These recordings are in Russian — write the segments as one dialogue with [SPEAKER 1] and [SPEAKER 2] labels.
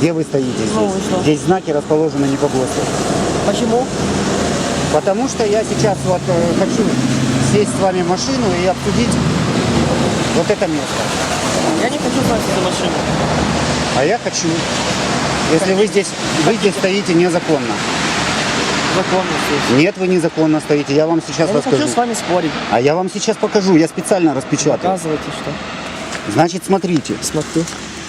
[SPEAKER 1] Где вы стоите здесь?
[SPEAKER 2] Ну, и что?
[SPEAKER 1] Здесь знаки расположены не по ГОСТу.
[SPEAKER 2] Почему?
[SPEAKER 1] Потому что я сейчас вот хочу сесть с вами в машину и обсудить вот это место.
[SPEAKER 2] Я не хочу садиться за машину.
[SPEAKER 1] А я хочу. Если вы здесь стоите незаконно.
[SPEAKER 2] Законно здесь.
[SPEAKER 1] Нет, вы незаконно стоите. Я вам сейчас
[SPEAKER 2] Я не
[SPEAKER 1] расскажу.
[SPEAKER 2] хочу с вами спорить.
[SPEAKER 1] А я вам сейчас покажу. Я специально распечатал.
[SPEAKER 2] Показывайте, что.
[SPEAKER 1] Значит, смотрите.
[SPEAKER 2] Смотрю.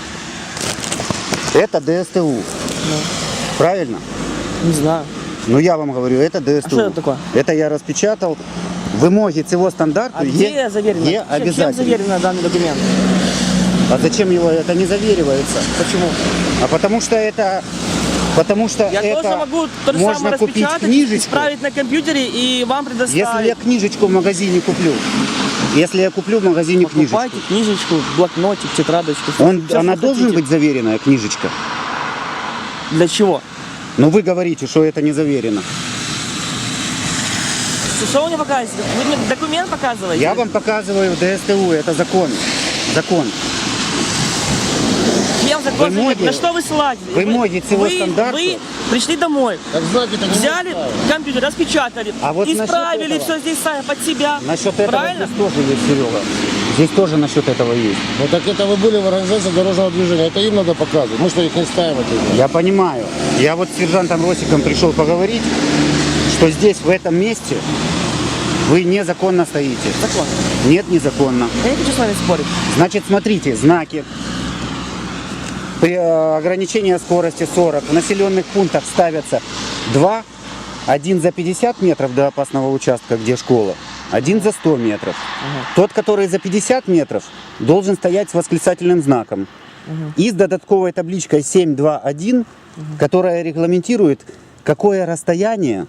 [SPEAKER 1] Это ДСТУ. Правильно?
[SPEAKER 2] Не знаю.
[SPEAKER 1] Ну я вам говорю, это ДСТУ.
[SPEAKER 2] А что это такое?
[SPEAKER 1] Это я распечатал. Вымоги цього стандарту
[SPEAKER 2] А где заверено?
[SPEAKER 1] Є
[SPEAKER 2] Чем
[SPEAKER 1] обязательно.
[SPEAKER 2] заверено данный документ?
[SPEAKER 1] А зачем его это не заверивается?
[SPEAKER 2] Почему?
[SPEAKER 1] А потому что это
[SPEAKER 2] Я тоже могу то же
[SPEAKER 1] можно
[SPEAKER 2] самое
[SPEAKER 1] купить
[SPEAKER 2] распечатать,
[SPEAKER 1] книжечку.
[SPEAKER 2] исправить на компьютере и вам предоставить.
[SPEAKER 1] Если я книжечку в магазине куплю, если я куплю в магазине книжечку,
[SPEAKER 2] Покупайте книжечку, блокнотик, тетрадочку.
[SPEAKER 1] она должна быть заверенная, книжечка.
[SPEAKER 2] Для чего?
[SPEAKER 1] Но вы говорите, что это не заверено.
[SPEAKER 2] Что вы мне показываете? Вы мне документ показываете?
[SPEAKER 1] Я вам показываю ДСТУ, это закон. Закон.
[SPEAKER 2] Чем закон?
[SPEAKER 1] Вымоги-
[SPEAKER 2] На что вы ссылаетесь?
[SPEAKER 1] вымоги цього стандарту.
[SPEAKER 2] Вы пришли домой,
[SPEAKER 3] Так знаки-то не
[SPEAKER 2] взяли
[SPEAKER 3] нужно.
[SPEAKER 2] компьютер, распечатали,
[SPEAKER 1] А вот насчет
[SPEAKER 2] исправили
[SPEAKER 1] этого-
[SPEAKER 2] все здесь сами под себя.
[SPEAKER 1] Насчет этого
[SPEAKER 2] Правильно?
[SPEAKER 1] здесь тоже есть, Серега. Здесь тоже насчет этого есть.
[SPEAKER 3] Ну так это вы были в организации дорожного движения. Это им надо показывать. Мы что, их не ставим это?
[SPEAKER 1] Я понимаю. Я вот с сержантом Росиком пришел поговорить, что здесь, в этом месте, вы незаконно стоите.
[SPEAKER 2] Закон.
[SPEAKER 1] Нет, незаконно.
[SPEAKER 2] Я не хочу с вами спорить.
[SPEAKER 1] Значит, смотрите, знаки. При ограничении скорости 40 в населенных пунктах ставятся 2, один за 50 метров до опасного участка, где школа, один за 100 метров. Тот, который за 50 метров, должен стоять с восклицательным знаком. И с додатковой табличкой 721, которая регламентирует, какое расстояние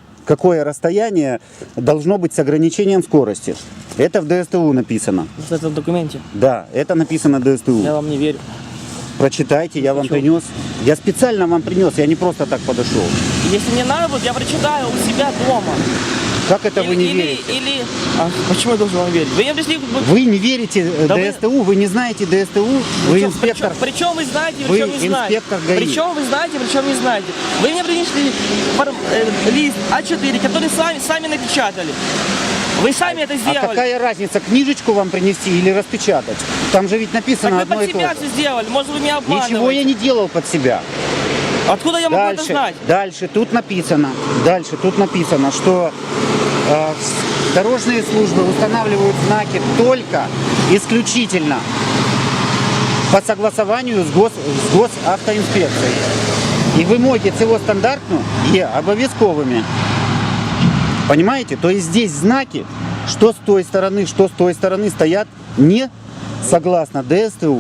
[SPEAKER 1] должно быть с ограничением скорости. Это в ДСТУ написано.
[SPEAKER 2] Вот это в документе.
[SPEAKER 1] Да, это написано в ДСТУ.
[SPEAKER 2] Я вам не верю.
[SPEAKER 1] Прочитайте, я вам
[SPEAKER 2] Почему?
[SPEAKER 1] принес. Я специально вам принес, я не просто так подошел.
[SPEAKER 2] Если мне надо будет, я прочитаю у себя дома.
[SPEAKER 1] Как это вы не верите?
[SPEAKER 2] Почему я должен вам верить? Вы мне пришли...
[SPEAKER 1] Вы не верите
[SPEAKER 2] Да
[SPEAKER 1] ДСТУ, вы не знаете ДСТУ, вы инспектор.
[SPEAKER 2] Причем вы знаете,
[SPEAKER 1] Вы
[SPEAKER 2] причем не знаете.
[SPEAKER 1] инспектор ГАИ.
[SPEAKER 2] Причем вы знаете, причем не знаете. Вы мне принесли лист А4, который сами напечатали. Вы сами это
[SPEAKER 1] А
[SPEAKER 2] сделали.
[SPEAKER 1] какая разница, книжечку вам принести или распечатать? Там же ведь
[SPEAKER 2] Так
[SPEAKER 1] написано
[SPEAKER 2] вы
[SPEAKER 1] одно
[SPEAKER 2] под
[SPEAKER 1] и то
[SPEAKER 2] себя
[SPEAKER 1] же.
[SPEAKER 2] все сделали. Может, вы меня обманываете.
[SPEAKER 1] Ничего я не делал под себя.
[SPEAKER 2] Откуда я могу это знать?
[SPEAKER 1] Дальше тут написано, что дорожные службы устанавливают знаки только исключительно по согласованию с госавтоинспекцией. І вимоги цього стандарту є обов'язковими. Понимаете? То есть здесь знаки, что с той стороны стоят не согласно ДСТУ.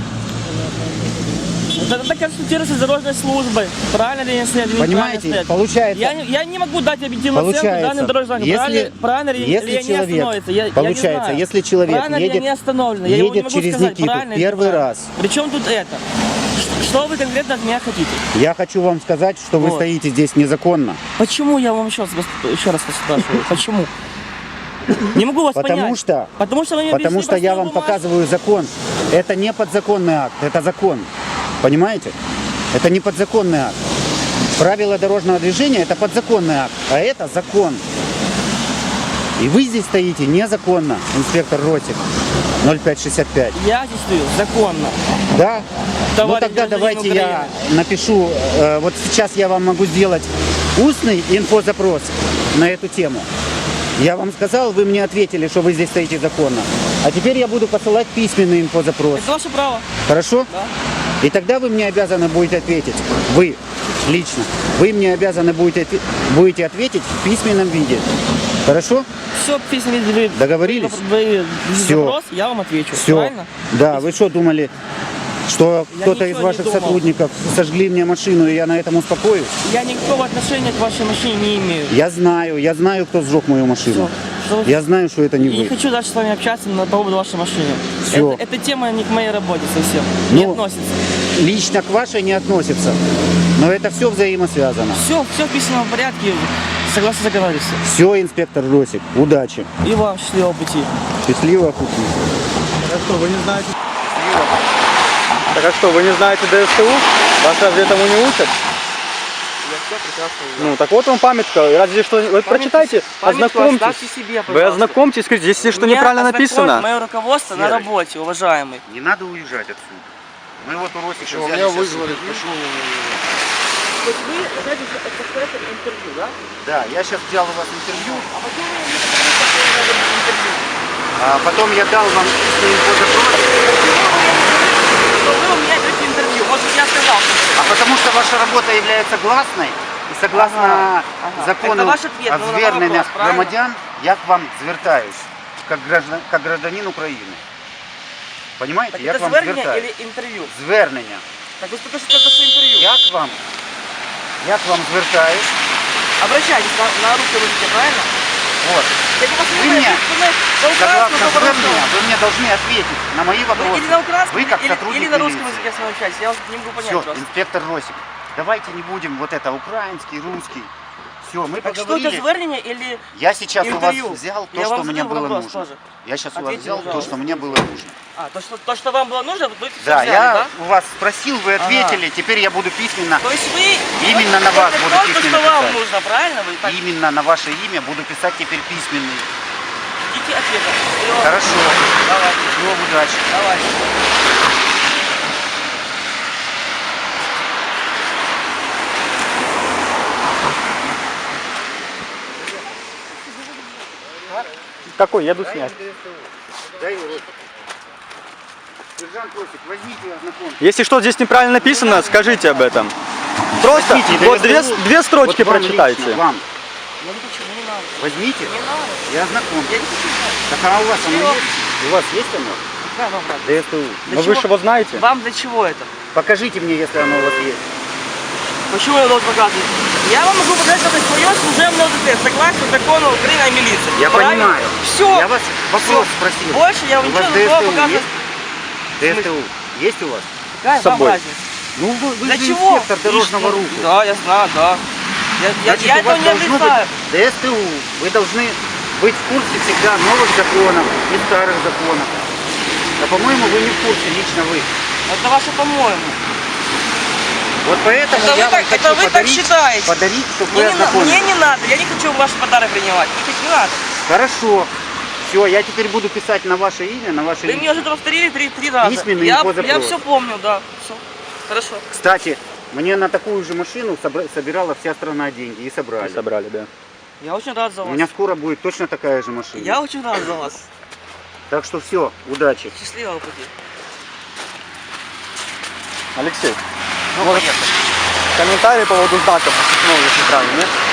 [SPEAKER 2] Это консультируется с дорожной службой. Правильно ли я стоят?
[SPEAKER 1] Понимаете? Получается,
[SPEAKER 2] Я не могу дать объективную оценку данным дорожным знакам. Правильно ли
[SPEAKER 1] если
[SPEAKER 2] я не
[SPEAKER 1] человек,
[SPEAKER 2] остановится? Я не
[SPEAKER 1] получается,
[SPEAKER 2] знаю.
[SPEAKER 1] если человек
[SPEAKER 2] Правильно ли я
[SPEAKER 1] едет,
[SPEAKER 2] не остановлен? Я его не
[SPEAKER 1] едет
[SPEAKER 2] могу
[SPEAKER 1] через
[SPEAKER 2] сказать,
[SPEAKER 1] Никиту
[SPEAKER 2] правильно или
[SPEAKER 1] первый
[SPEAKER 2] неправильно.
[SPEAKER 1] раз,
[SPEAKER 2] Причем тут это? Что вы конкретно от меня хотите?
[SPEAKER 1] я хочу вам сказать, что вы
[SPEAKER 2] Вот.
[SPEAKER 1] стоите здесь незаконно.
[SPEAKER 2] Почему я вам еще раз спрашиваю? Почему? Не могу вас
[SPEAKER 1] Потому
[SPEAKER 2] понять.
[SPEAKER 1] что,
[SPEAKER 2] Потому что вы мне
[SPEAKER 1] потому
[SPEAKER 2] принесли
[SPEAKER 1] что я
[SPEAKER 2] простую
[SPEAKER 1] вам
[SPEAKER 2] бумажку.
[SPEAKER 1] показываю закон. Это не подзаконный акт, это закон. Понимаете? Это не подзаконный акт. Правила дорожного движения это подзаконный акт, а это закон. И вы здесь стоите незаконно, инспектор Ротик, 0565.
[SPEAKER 2] Я здесь стою законно.
[SPEAKER 1] Да? Ну
[SPEAKER 2] Товарищ
[SPEAKER 1] тогда
[SPEAKER 2] гражданин
[SPEAKER 1] давайте я
[SPEAKER 2] Украины.
[SPEAKER 1] напишу, вот сейчас я вам могу сделать устный инфозапрос на эту тему. Я вам сказал, вы мне ответили, что вы здесь стоите законно. А теперь я буду посылать письменный инфозапрос.
[SPEAKER 2] Это ваше право.
[SPEAKER 1] Хорошо?
[SPEAKER 2] Да.
[SPEAKER 1] И тогда вы мне обязаны будете ответить. Вы лично. Вы мне обязаны будете ответить в письменном виде. Хорошо?
[SPEAKER 2] Все, письма вы
[SPEAKER 1] Договорились?
[SPEAKER 2] Вы
[SPEAKER 1] Всё.
[SPEAKER 2] запрос, я вам отвечу.
[SPEAKER 1] Все.
[SPEAKER 2] Правильно?
[SPEAKER 1] Да, вы что думали, что
[SPEAKER 2] Я
[SPEAKER 1] кто-то из
[SPEAKER 2] ничего не
[SPEAKER 1] ваших
[SPEAKER 2] думал.
[SPEAKER 1] сотрудников сожгли мне машину, и я на этом успокоюсь?
[SPEAKER 2] Я никакого отношения к вашей машине не имею.
[SPEAKER 1] Я знаю, кто сжег мою машину.
[SPEAKER 2] Всё.
[SPEAKER 1] Я знаю, что это не
[SPEAKER 2] И не
[SPEAKER 1] вы.
[SPEAKER 2] хочу дальше с вами общаться по поводу вашей машины.
[SPEAKER 1] Всё.
[SPEAKER 2] Эта тема не к моей работе совсем. Не
[SPEAKER 1] Ну,
[SPEAKER 2] относится.
[SPEAKER 1] Лично к вашей не относится. Но это все взаимосвязано.
[SPEAKER 2] Все в письменном порядке. Согласно договориться.
[SPEAKER 1] Все, инспектор Росик, удачи.
[SPEAKER 2] И вам счастливого пути.
[SPEAKER 1] Счастливого пути.
[SPEAKER 4] Так а что, вы не знаете? Так а что, вы не знаете ДСТУ? Вас разве этому не учат?
[SPEAKER 2] Я все прекрасно знаю.
[SPEAKER 4] Ну, так вот вам памятка. Разве что... Вот прочитайте,
[SPEAKER 2] Памятку
[SPEAKER 4] ознакомьтесь.
[SPEAKER 2] оставьте себе,
[SPEAKER 4] Вы
[SPEAKER 2] пожалуйста.
[SPEAKER 4] ознакомьтесь, скажите, если что
[SPEAKER 2] Меня
[SPEAKER 4] неправильно
[SPEAKER 2] ознакомит
[SPEAKER 4] написано.
[SPEAKER 2] мое руководство на
[SPEAKER 1] Серый.
[SPEAKER 2] работе, уважаемый.
[SPEAKER 1] Не надо уезжать отсюда. Мы вот у Росика
[SPEAKER 3] Почему?
[SPEAKER 1] взяли
[SPEAKER 3] Меня
[SPEAKER 1] сейчас
[SPEAKER 3] вызвали,
[SPEAKER 1] интервью.
[SPEAKER 3] почему?
[SPEAKER 2] То есть вы хотите это интервью, да?
[SPEAKER 1] Да, я сейчас взял у вас интервью,
[SPEAKER 2] А почему вы не хотите интервью?
[SPEAKER 1] а потом я дал вам письменный запрос,
[SPEAKER 2] Что вы у меня берете интервью? Может, я сказал, что...
[SPEAKER 1] а потому что ваша работа является гласной, и согласно
[SPEAKER 2] Ага, ага.
[SPEAKER 1] закону
[SPEAKER 2] Это ваш ответ,
[SPEAKER 1] о
[SPEAKER 2] ну, на
[SPEAKER 1] зверненнях
[SPEAKER 2] вопрос, правильно?
[SPEAKER 1] громадян, я к вам звертаюсь, как гражданин України. Понимаете,
[SPEAKER 2] Так
[SPEAKER 1] я
[SPEAKER 2] это
[SPEAKER 1] к вам
[SPEAKER 2] звернення
[SPEAKER 1] звертаюсь.
[SPEAKER 2] или интервью?
[SPEAKER 1] Звернення.
[SPEAKER 2] Так вы только что это интервью.
[SPEAKER 1] Я к вам звертаюсь.
[SPEAKER 2] Обращайтесь на русском языке, правильно?
[SPEAKER 1] Вот.
[SPEAKER 2] Я не
[SPEAKER 1] Вы мне,
[SPEAKER 2] на
[SPEAKER 1] согласно
[SPEAKER 2] украинском,
[SPEAKER 1] звернення, вы мне должны ответить на мои вопросы.
[SPEAKER 2] или на украинском,
[SPEAKER 1] Вы как
[SPEAKER 2] или
[SPEAKER 1] сотрудник
[SPEAKER 2] на русском
[SPEAKER 1] милиции.
[SPEAKER 2] языке с вами общаюсь. Я вот не могу понять
[SPEAKER 1] Все,
[SPEAKER 2] просто.
[SPEAKER 1] инспектор Росик, давайте не будем вот это украинский, русский. Все, мы
[SPEAKER 2] Так что
[SPEAKER 1] поговорили.
[SPEAKER 2] это звернение или
[SPEAKER 1] Я сейчас у вас
[SPEAKER 2] интервью?
[SPEAKER 1] взял то,
[SPEAKER 2] Я
[SPEAKER 1] что
[SPEAKER 2] вам
[SPEAKER 1] мне
[SPEAKER 2] задал
[SPEAKER 1] было
[SPEAKER 2] вопрос
[SPEAKER 1] нужно.
[SPEAKER 2] тоже.
[SPEAKER 1] Я сейчас у вас
[SPEAKER 2] Ответьте,
[SPEAKER 1] взял то,
[SPEAKER 2] пожалуйста.
[SPEAKER 1] что мне было нужно.
[SPEAKER 2] то, что вам было нужно, вы всё
[SPEAKER 1] Да,
[SPEAKER 2] взяли,
[SPEAKER 1] я
[SPEAKER 2] да?
[SPEAKER 1] у вас спросил, вы ответили, теперь я буду письменно.
[SPEAKER 2] То есть вы
[SPEAKER 1] Именно на вас буду
[SPEAKER 2] только
[SPEAKER 1] письменно
[SPEAKER 2] что вам
[SPEAKER 1] писать.
[SPEAKER 2] нужно, правильно? Вы так
[SPEAKER 1] Именно на ваше имя буду писать теперь письменный.
[SPEAKER 2] ждите ответа. Всё.
[SPEAKER 1] Хорошо.
[SPEAKER 2] Давай,
[SPEAKER 1] Всего удачи.
[SPEAKER 2] давай.
[SPEAKER 4] Какой? Еду снять.
[SPEAKER 1] Дай его Росик. Сержант Росик, возьмите и ознакомьтесь.
[SPEAKER 4] Если что здесь неправильно написано, скажите об этом. Просто
[SPEAKER 1] Возьмите,
[SPEAKER 4] вот
[SPEAKER 1] ДСТУ.
[SPEAKER 4] две строчки
[SPEAKER 1] Вот вам
[SPEAKER 4] прочитайте.
[SPEAKER 1] лично, вам.
[SPEAKER 2] Я не хочу, не надо.
[SPEAKER 1] Возьмите
[SPEAKER 2] Не надо.
[SPEAKER 1] и ознакомьтесь.
[SPEAKER 2] Я не хочу знать.
[SPEAKER 1] Так а у вас оно
[SPEAKER 2] Чего?
[SPEAKER 1] есть? У вас есть оно?
[SPEAKER 2] Да, вам надо.
[SPEAKER 1] ДСТУ.
[SPEAKER 2] Для
[SPEAKER 4] Но вы
[SPEAKER 2] чего?
[SPEAKER 4] же его знаете.
[SPEAKER 2] Вам для чего это?
[SPEAKER 1] Покажите мне, если оно у вас есть.
[SPEAKER 2] Почему я должен показывать? Я вам могу показать только свое служебное удостоверение, согласно закону Украины о милиции.
[SPEAKER 1] Я понимаю.
[SPEAKER 2] Все.
[SPEAKER 1] Я вас вопрос спросил.
[SPEAKER 2] Больше я вам
[SPEAKER 1] У вас
[SPEAKER 2] ничего не буду
[SPEAKER 1] ДСТУ
[SPEAKER 2] показывать.
[SPEAKER 1] есть? ДСТУ есть у вас?
[SPEAKER 2] Какая
[SPEAKER 4] С
[SPEAKER 2] вам
[SPEAKER 4] собой.
[SPEAKER 2] разница?
[SPEAKER 1] Ну вы
[SPEAKER 2] Для
[SPEAKER 1] же
[SPEAKER 2] чего?
[SPEAKER 1] инспектор дорожного
[SPEAKER 2] Ну,
[SPEAKER 1] руху.
[SPEAKER 2] Да, я знаю, да.
[SPEAKER 1] Значит,
[SPEAKER 2] Я
[SPEAKER 1] у вас
[SPEAKER 2] этого не
[SPEAKER 1] должно
[SPEAKER 2] отрицаю.
[SPEAKER 1] быть ДСТУ. Вы должны быть в курсе всегда новых законов и старых законов. А по-моему, вы не в курсе, лично вы.
[SPEAKER 2] Это ваше по-моему.
[SPEAKER 1] Вот поэтому
[SPEAKER 2] Это
[SPEAKER 1] я
[SPEAKER 2] вы
[SPEAKER 1] вам
[SPEAKER 2] так-
[SPEAKER 1] хочу
[SPEAKER 2] это вы так считаете.
[SPEAKER 1] подарить, чтобы
[SPEAKER 2] Мне
[SPEAKER 1] вы
[SPEAKER 2] не,
[SPEAKER 1] ознакомились.
[SPEAKER 2] мне не надо, я не хочу ваш подарок принимать. Не надо.
[SPEAKER 1] Хорошо. Все, я теперь буду писать на ваше имя, на ваше
[SPEAKER 2] Вы мне уже это повторили три раза.
[SPEAKER 1] Письменный
[SPEAKER 2] Я
[SPEAKER 1] инфозапрос.
[SPEAKER 2] все помню, да. Все. Хорошо.
[SPEAKER 1] Кстати, мне на такую же машину собирала вся страна деньги и собрали.
[SPEAKER 4] Собрали, да.
[SPEAKER 2] Я очень рад за
[SPEAKER 1] У
[SPEAKER 2] вас.
[SPEAKER 1] меня скоро будет точно такая же машина.
[SPEAKER 2] Я очень рад за вас.
[SPEAKER 1] Так что все, удачи.
[SPEAKER 2] Счастливого пути.
[SPEAKER 4] Алексей,
[SPEAKER 1] Ну,
[SPEAKER 4] может,
[SPEAKER 1] поехали.
[SPEAKER 4] комментарий по поводу знаков неправильно, нет?